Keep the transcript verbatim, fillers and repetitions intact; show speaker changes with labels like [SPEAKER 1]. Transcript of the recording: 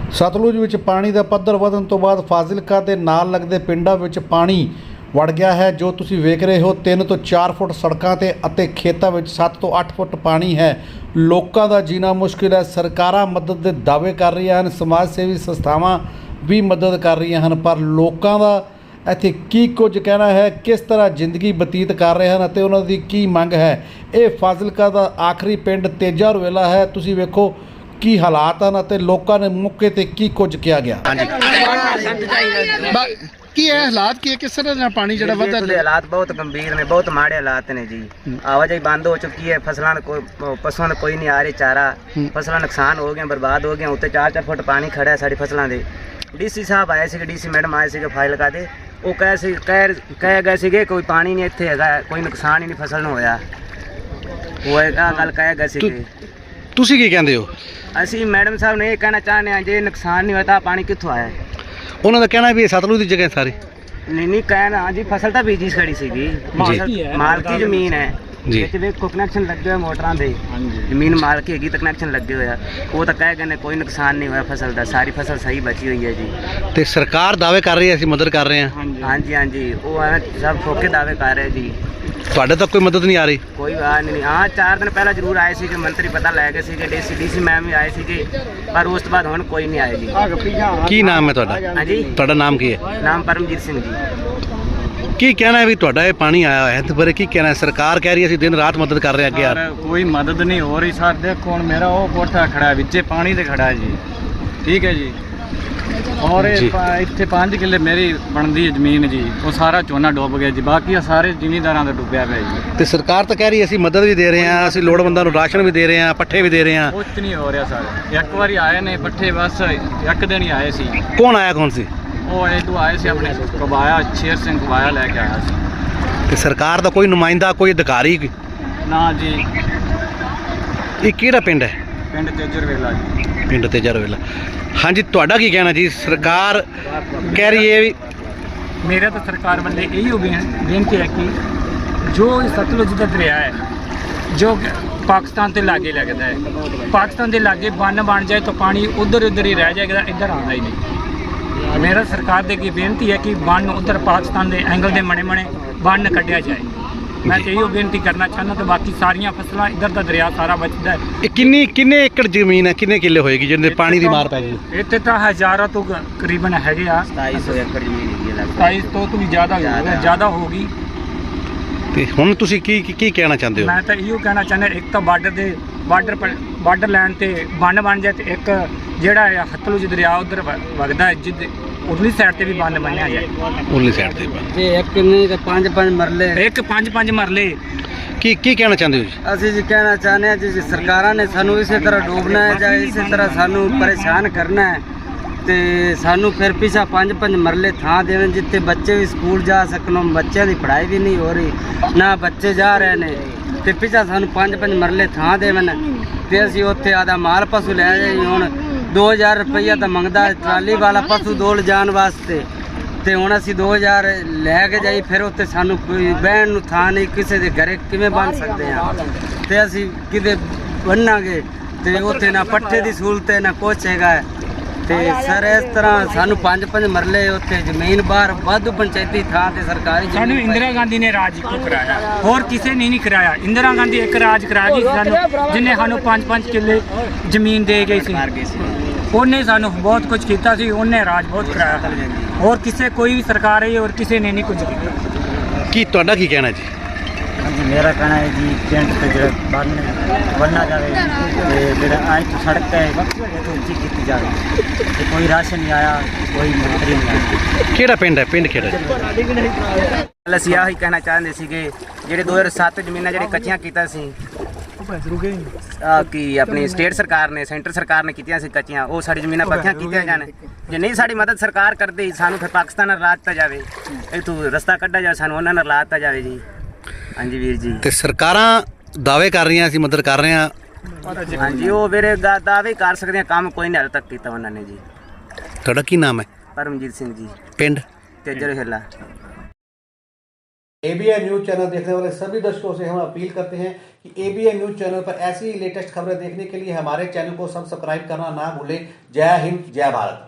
[SPEAKER 1] ਸਤਲੁਜ ਵਿੱਚ ਪਾਣੀ ਦਾ ਪੱਧਰ ਵਧਣ ਤੋਂ ਬਾਅਦ ਫਾਜ਼ਿਲਕਾ ਦੇ ਨਾਲ ਲੱਗਦੇ ਪਿੰਡਾਂ ਵਿੱਚ ਪਾਣੀ ਵੜ ਗਿਆ ਹੈ। ਜੋ ਤੁਸੀਂ ਵੇਖ ਰਹੇ ਹੋ ਤਿੰਨ ਤੋਂ ਚਾਰ ਫੁੱਟ ਸੜਕਾਂ ਤੇ ਅਤੇ ਖੇਤਾਂ ਵਿੱਚ ਸੱਤ ਤੋਂ ਅੱਠ ਫੁੱਟ ਪਾਣੀ ਹੈ। ਲੋਕਾਂ ਦਾ ਜੀਣਾ ਮੁਸ਼ਕਿਲ ਹੈ। ਸਰਕਾਰਾਂ ਮਦਦ ਦੇ ਦਾਅਵੇ ਕਰ ਰਹੀਆਂ ਹਨ, ਸਮਾਜ ਸੇਵੀ ਸੰਸਥਾਵਾਂ ਵੀ ਮਦਦ ਕਰ ਰਹੀਆਂ ਹਨ, ਪਰ ਲੋਕਾਂ ਦਾ ਇੱਥੇ ਕੀ ਕੁਝ ਕਹਿਣਾ ਹੈ, ਕਿਸ ਤਰ੍ਹਾਂ ਜ਼ਿੰਦਗੀ ਬਤੀਤ ਕਰ ਰਹੇ ਹਨ ਅਤੇ ਉਹਨਾਂ ਦੀ ਕੀ ਮੰਗ ਹੈ। ਇਹ ਫਾਜ਼ਿਲਕਾ ਦਾ ਆਖਰੀ ਪਿੰਡ ਤੇਜਾ ਰੁਵੇਲਾ ਹੈ। ਤੁਸੀਂ ਵੇਖੋ ਕੀ ਹਾਲਾਤ ਹਨ ਅਤੇ ਲੋਕਾਂ ਨੇ ਮੌਕੇ ਤੇ ਕੀ ਕੁਝ ਕਿਹਾ ਗਿਆ।
[SPEAKER 2] ਕੀ ਹੈ ਹਾਲਾਤ ਕੀ ਹੈ, ਕਿਸ ਤਰ੍ਹਾਂ ਦਾ ਪਾਣੀ ਜਿਹੜਾ ਵਧਦਾ ਹੈ?
[SPEAKER 3] ਹਾਲਾਤ ਬਹੁਤ ਗੰਭੀਰ ਨੇ, ਬਹੁਤ ਮਾੜੇ ਹਾਲਾਤ ਨੇ ਜੀ। ਆਵਾਜਾਈ ਬੰਦ ਹੋ ਚੁੱਕੀ ਹੈ, ਫਸਲਾਂ ਕੋਈ ਪਸ਼ੂਆਂ ਦਾ ਕੋਈ ਨਹੀਂ ਆ ਰਿਹਾ ਚਾਰਾ, ਫਸਲਾਂ ਨੁਕਸਾਨ ਹੋ ਗਈਆਂ, ਬਰਬਾਦ ਹੋ ਗਈਆਂ। ਉੱਤੇ ਚਾਰ ਚਾਰ ਫੁੱਟ ਪਾਣੀ ਖੜਾ ਹੈ ਸਾਡੀ ਫਸਲਾਂ ਦੇ। ਡੀਸੀ ਸਾਹਿਬ ਆਏ ਸੀਗੇ, ਡੀਸੀ ਮੈਡਮ ਆਏ ਸੀਗੇ ਫਾਜ਼ਿਲਕਾ ਦੇ। ਉਹ ਕਹੇ ਸੀ ਕਹਿ ਕਹਿ ਗਏ ਸੀਗੇ ਕੋਈ ਪਾਣੀ ਨਹੀਂ ਇੱਥੇ ਹੈਗਾ, ਕੋਈ ਨੁਕਸਾਨ ਹੀ ਨਹੀਂ ਫਸਲ ਨੂੰ ਹੋਇਆ। ਉਹ ਇਹ ਗੱਲ ਕਹਿ ਗਏ ਸੀਗੇ।
[SPEAKER 2] ਤੁਸੀਂ ਕੀ ਕਹਿੰਦੇ ਹੋ?
[SPEAKER 3] ਅਸੀਂ ਮੈਡਮ ਸਾਹਿਬ ਨੇ ਇਹ ਕਹਿਣਾ ਚਾਹੁੰਦੇ ਹਾਂ, ਜੇ ਨੁਕਸਾਨ ਨਹੀਂ ਹੋਇਆ ਤਾਂ ਪਾਣੀ ਕਿੱਥੋਂ ਆਇਆ?
[SPEAKER 2] ਉਹਨਾਂ ਦਾ ਕਹਿਣਾ ਵੀ ਇਹ ਸਤਲੁਜ ਦੀ ਜਗ੍ਹਾ ਸਾਰੇ
[SPEAKER 3] ਨਹੀਂ ਨਹੀਂ ਕਹਿਣਾ ਹਾਂਜੀ, ਫਸਲ ਤਾਂ ਬੀਜੀ ਖੜੀ ਸੀਗੀ, ਮਾਲਕੀ ਜ਼ਮੀਨ ਹੈ
[SPEAKER 2] ਜੀ।
[SPEAKER 3] ਵਿੱਚ ਵੇਖੋ ਕਨੈਕਸ਼ਨ ਲੱਗੇ ਹੋਏ ਮੋਟਰਾਂ ਦੇ, ਜ਼ਮੀਨ ਮਾਲਕੀ ਹੈਗੀ ਤਾਂ ਕਨੈਕਸ਼ਨ ਲੱਗੇ ਹੋਇਆ। ਉਹ ਤਾਂ ਕਹਿ ਗਏ ਨੇ ਕੋਈ ਨੁਕਸਾਨ ਨਹੀਂ ਹੋਇਆ ਫਸਲ ਦਾ, ਸਾਰੀ ਫਸਲ ਸਹੀ ਬਚੀ ਹੋਈ ਹੈ ਜੀ।
[SPEAKER 2] ਤੇ ਸਰਕਾਰ ਦਾਅਵੇ ਕਰ ਰਹੀ ਹੈ ਅਸੀਂ ਮਦਦ ਕਰ ਰਹੇ ਹਾਂ।
[SPEAKER 3] ਹਾਂਜੀ ਹਾਂਜੀ, ਉਹ ਐਵੇਂ ਸਭ ਠੋਕੇ ਦਾਅਵੇ ਕਰ ਰਹੇ ਜੀ।
[SPEAKER 2] ਤੁਹਾਡੇ ਤੱਕ ਕੋਈ ਮਦਦ ਨਹੀਂ ਆ ਰਹੀ?
[SPEAKER 3] ਕੋਈ ਆ ਨਹੀਂ। ਹਾਂ, ਚਾਰ ਦਿਨ ਪਹਿਲਾਂ ਜ਼ਰੂਰ ਆਏ ਸੀਗੇ ਮੰਤਰੀ, ਪਤਾ ਲੈ ਗਏ ਸੀਗੇ, ਡੀਸੀ ਡੀਸੀ ਮੈਮ ਵੀ ਆਏ ਸੀਗੇ, ਪਰ ਉਸ ਤੋਂ ਬਾਅਦ ਹੁਣ ਕੋਈ ਨਹੀਂ ਆਏ ਜੀ।
[SPEAKER 2] ਕੀ ਨਾਮ ਹੈ ਤੁਹਾਡਾ?
[SPEAKER 3] ਹਾਂਜੀ,
[SPEAKER 2] ਤੁਹਾਡਾ ਨਾਮ ਕੀ ਹੈ?
[SPEAKER 3] ਨਾਮ ਪਰਮਜੀਤ ਸਿੰਘ ਜੀ।
[SPEAKER 2] ਕੀ ਕਹਿਣਾ ਹੈ ਵੀ ਤੁਹਾਡਾ ਇਹ ਪਾਣੀ ਆਇਆ ਹੋਇਆ ਤੇ ਬਾਰੇ ਕੀ ਕਹਿਣਾ ਹੈ? ਸਰਕਾਰ ਕਹਿ ਰਹੀ ਹੈ ਅਸੀਂ ਦਿਨ ਰਾਤ ਮਦਦ ਕਰ ਰਹੇ ਹਾਂ ਅੱਗੇ ਯਾਰ।
[SPEAKER 4] ਕੋਈ ਮਦਦ ਨਹੀਂ ਹੋ ਰਹੀ ਸਰ। ਦੇਖੋ ਹੁਣ ਮੇਰਾ ਉਹ ਕੋਠਾ ਖੜਾ ਵਿੱਚੇ ਪਾਣੀ ਤੇ ਖੜਾ ਹੈ ਜੀ, ਠੀਕ ਹੈ ਜੀ। ਔਰ ਇੱਥੇ ਪੰਜ ਕਿੱਲੇ ਮੇਰੀ ਬਣਦੀ ਹੈ ਜ਼ਮੀਨ ਜੀ, ਉਹ ਸਾਰਾ ਝੋਨਾ ਡੁੱਬ ਗਿਆ ਜੀ, ਬਾਕੀ ਸਾਰੇ ਜ਼ਿਮੀਂਦਾਰਾਂ ਦਾ ਡੁੱਬਿਆ ਪਿਆ ਜੀ।
[SPEAKER 2] ਤੇ ਸਰਕਾਰ ਤਾਂ ਕਹਿ ਰਹੀ ਹੈ ਅਸੀਂ ਮਦਦ ਵੀ ਦੇ ਰਹੇ ਹਾਂ, ਅਸੀਂ ਲੋੜਵੰਦਾਂ ਨੂੰ ਰਾਸ਼ਨ ਵੀ ਦੇ ਰਹੇ ਹਾਂ, ਪੱਠੇ ਵੀ ਦੇ ਰਹੇ ਹਾਂ।
[SPEAKER 4] ਕੁਛ ਨਹੀਂ ਹੋ ਰਿਹਾ ਸਰ। ਇੱਕ ਵਾਰੀ ਆਏ ਨੇ ਪੱਠੇ, ਬਸ ਇੱਕ ਦਿਨ ਹੀ ਆਏ ਸੀ।
[SPEAKER 2] ਕੌਣ ਆਇਆ? ਕੌਣ ਸੀ
[SPEAKER 4] ਉਹ ਇਹ ਤੋਂ ਆਏ ਸੀ ਆਪਣੇ ਕਬਾਇਆ, ਸ਼ੇਰ ਸਿੰਘ ਕਬਾਇਆ ਲੈ ਕੇ ਆਇਆ ਸੀ।
[SPEAKER 2] ਤੇ ਸਰਕਾਰ ਦਾ ਕੋਈ ਨੁਮਾਇੰਦਾ, ਕੋਈ ਅਧਿਕਾਰੀ?
[SPEAKER 4] ਨਾ ਜੀ।
[SPEAKER 2] ਇਹ ਕਿਹੜਾ ਪਿੰਡ ਹੈ?
[SPEAKER 4] ਪਿੰਡ ਤੇਜਰ ਵੇਲਾ ਜੀ।
[SPEAKER 2] ਪਿੰਡ ਤੇਜਾ ਰੁਵੇਲਾ। ਹਾਂਜੀ, ਤੁਹਾਡਾ ਕੀ ਕਹਿਣਾ ਜੀ? ਸਰਕਾਰ ਕਹਿ ਰਹੀ ਹੈ ਵੀ
[SPEAKER 5] मेरा तो सरकार वाले यही बेनती है कि जो सतलुज का दरिया है जो पाकिस्तान के लागे लगता है, पाकिस्तान के लागे बन बन जाए तो पानी उधर उधर ही रह जाएगा, इधर आना ही नहीं। मेरा सरकार से की बेनती है कि बन उधर पाकिस्तान के एंगल के मने मने बन कढ़िया जाए। मैं तो यही बेनती करना चाहना। तो बाकी सारिया फसलों इधर का दरिया सारा बचता है।
[SPEAKER 2] ਇਹ ਕਿੰਨੀ ਕਿੰਨੇ ਏਕੜ ਜ਼ਮੀਨ ਹੈ, ਕਿੰਨੇ ਕਿੱਲੇ ਹੋਏਗੀ ਜਿਹਦੇ ਪਾਣੀ ਦੀ ਮਾਰ ਪੈ ਗਈ?
[SPEAKER 5] इतने तो हज़ारों तो करीबन है
[SPEAKER 3] ਸਤਾਈ ਸੌ ਏਕੜ ਜ਼ਮੀਨ ਹੈਗੀ ਹੈ ਲੱਗਦਾ।
[SPEAKER 5] सताईस तो तो भी ज़्यादा ज़्यादा होगी।
[SPEAKER 2] ਤੇ ਹੁਣ ਤੁਸੀਂ ਕੀ ਕੀ- ਕੀ ਕਹਿਣਾ ਚਾਹੁੰਦੇ ਹੋ?
[SPEAKER 5] मैं तो इहो कहना चाहना, एक तो बार्डर दे बार्डर पर बार्डर लैन ते बन बन जाए, तो एक जेड़ा सतलुज दरिया उधर वगदा है जिद उधरली साइड ते भी बन बनया जाए।
[SPEAKER 2] ਉਰਲੀ ਸਾਈਡ ਤੇ
[SPEAKER 3] ਤੇ ਇੱਕ ਨਹੀਂ ਤੇ ਪੰਜ ਪੰਜ ਮਰਲੇ।
[SPEAKER 5] एक पांच पांच मरले।
[SPEAKER 2] ਕੀ ਕੀ ਕਹਿਣਾ ਚਾਹੁੰਦੇ ਹੋ ਜੀ?
[SPEAKER 3] ਅਸੀਂ ਜੀ ਕਹਿਣਾ ਚਾਹੁੰਦੇ ਹਾਂ ਜੀ, ਸਰਕਾਰਾਂ ਨੇ ਸਾਨੂੰ ਇਸੇ ਤਰ੍ਹਾਂ ਡੋਬਣਾ ਹੈ ਜਾਂ ਇਸੇ ਤਰ੍ਹਾਂ ਸਾਨੂੰ ਪਰੇਸ਼ਾਨ ਕਰਨਾ ਹੈ, ਤੇ ਸਾਨੂੰ ਫਿਰ ਪਿਛਾ ਪੰਜ ਪੰਜ ਮਰਲੇ ਥਾਂ ਦੇਣ ਜਿੱਥੇ ਬੱਚੇ ਵੀ ਸਕੂਲ ਜਾ ਸਕਣ। ਬੱਚਿਆਂ ਦੀ ਪੜ੍ਹਾਈ ਵੀ ਨਹੀਂ ਹੋ ਰਹੀ, ਨਾ ਬੱਚੇ ਜਾ ਰਹੇ ਨੇ, ਤੇ ਪਿਛਾ ਸਾਨੂੰ ਪੰਜ ਪੰਜ ਮਰਲੇ ਥਾਂ ਦੇਵਣ ਤੇ ਅਸੀਂ ਉੱਥੇ ਆਦਾ ਮਾਲ ਪਸ਼ੂ ਲੈ ਜਾਈਏ। ਹੁਣ ਦੋ ਹਜ਼ਾਰ ਰੁਪਈਆ ਤਾਂ ਮੰਗਦਾ ਟਰਾਲੀ ਵਾਲਾ ਪਸ਼ੂ ਦੋ ਲਿਜਾਣ ਵਾਸਤੇ, ਤੇ ਹੁਣ ਅਸੀਂ ਦੋ ਹਜ਼ਾਰ ਲੈ ਕੇ ਜਾਈ, ਫਿਰ ਉੱਥੇ ਸਾਨੂੰ ਕੋਈ ਬਹਿਣ ਨੂੰ ਥਾਂ ਨਹੀਂ, ਕਿਸੇ ਦੇ ਘਰੇ ਕਿਵੇਂ ਬਣ ਸਕਦੇ ਹਾਂ? ਤੇ ਅਸੀਂ ਕਿਤੇ ਬੰਨਾਂਗੇ ਤੇ ਉੱਥੇ ਨਾ ਪੱਠੇ ਦੀ ਸਹੂਲਤ ਹੈ ਨਾ ਕੁਛ ਹੈਗਾ। ਤੇ ਸਰ ਇਸ ਤਰ੍ਹਾਂ ਸਾਨੂੰ ਪੰਜ ਪੰਜ ਮਰਲੇ ਉੱਥੇ ਜ਼ਮੀਨ ਬਾਹਰ ਵਾਧੂ ਪੰਚਾਇਤੀ ਥਾਂ ਤੇ ਸਰਕਾਰੀ
[SPEAKER 5] सानू इंदिरा गांधी ने राज क्यों कराया? और किसी ने नहीं कराया। इंदिरा गांधी एक राज करा गई सानू, जिन्हें सानू पांच पांच किले जमीन दे गई सी। उन्हें सानू बहुत कुछ किया सी, उन्हें राज बहुत कराया। और किसी कोई भी सरकार आई और किसी ने नहीं कुछ किया।
[SPEAKER 2] ਕੀ ਤੁਹਾਡਾ ਕੀ ਕਹਿਣਾ ਜੀ?
[SPEAKER 3] ਹਾਂਜੀ, ਮੇਰਾ ਕਹਿਣਾ ਹੈ ਜੀ ਪਿੰਡ ਤੇ ਜਿਹੜਾ ਬੰਨ ਬੰਨ੍ਹਿਆ ਜਾਵੇ ਤੇ ਜਿਹੜਾ ਅੱਜ ਤੋਂ ਸੜਕ ਹੈ ਇਹ ਤੋਂ ਉੱਚੀ ਕੀਤੀ ਜਾਵੇ। ਤੇ ਕੋਈ ਰਾਸ਼ਨ ਨਹੀਂ ਆਇਆ, ਕੋਈ ਮੰਤਰੀ ਨਹੀਂ ਆਇਆ।
[SPEAKER 2] ਕਿਹੜਾ ਪਿੰਡ ਹੈ? ਪਿੰਡ ਕਿਹੜਾ?
[SPEAKER 3] ਅਸੀਂ ਆਹੀ ਕਹਿਣਾ ਚਾਹੁੰਦੇ ਸੀਗੇ, ਜਿਹੜੇ ਦੋ ਹਜ਼ਾਰ ਸੱਤ ਜ਼ਮੀਨਾਂ ਜਿਹੜੇ ਕੱਚੀਆਂ ਕੀਤਾ ਸੀ ਆ ਕਿ ਆਪਣੀ ਸਟੇਟ ਸਰਕਾਰ ਨੇ, ਸੈਂਟਰ ਸਰਕਾਰ ਨੇ ਕੀਤੀਆਂ ਸੀ ਕੱਚੀਆਂ, ਉਹ ਸਾਡੀ ਜ਼ਮੀਨਾਂ ਪੱਕੀਆਂ ਕੀਤੀਆਂ ਜਾਣ। ਜੇ ਨਹੀਂ ਸਾਡੀ ਮਦਦ ਸਰਕਾਰ ਕਰਦੀ, ਸਾਨੂੰ ਫਿਰ ਪਾਕਿਸਤਾਨ ਨਾਲ ਰਾਜ ਤਾ ਜਾਵੇ, ਇੱਥੋਂ ਰਸਤਾ ਕੱਢਿਆ ਜਾਵੇ, ਸਾਨੂੰ ਉਹਨਾਂ ਨਾਲ ਲਾਤਾ ਜਾਵੇ ਜੀ। ਹਾਂਜੀ ਵੀਰ ਜੀ।
[SPEAKER 2] ਤੇ ਸਰਕਾਰਾਂ ਦਾਅਵੇ ਕਰ ਰਹੀਆਂ ਅਸੀਂ ਮਦਦ ਕਰ ਰਹੇ ਹਾਂ।
[SPEAKER 3] ਹਾਂਜੀ, ਉਹ ਵੀਰੇ ਦਾਅਵੇ ਕਰ ਸਕਦੇ ਆ, ਕੰਮ ਕੋਈ ਨਹੀਂ ਹਾਲੇ ਤੱਕ ਕੀਤਾ ਉਹਨਾਂ ਨੇ ਜੀ।
[SPEAKER 2] ਤੁਹਾਡਾ ਕੀ ਨਾਮ ਹੈ?
[SPEAKER 3] ਪਰਮਜੀਤ ਸਿੰਘ ਜੀ।
[SPEAKER 2] ਪਿੰਡ
[SPEAKER 3] ਤੇਜਰ ਹਿੱਲਾ।
[SPEAKER 1] एबीएन न्यूज चैनल देखने वाले सभी दर्शकों से हम अपील करते हैं कि एबीएन न्यूज चैनल पर ऐसी लेटेस्ट खबरें देखने के लिए हमारे चैनल को सब्सक्राइब करना ना भूलें। जय हिंद, जय भारत।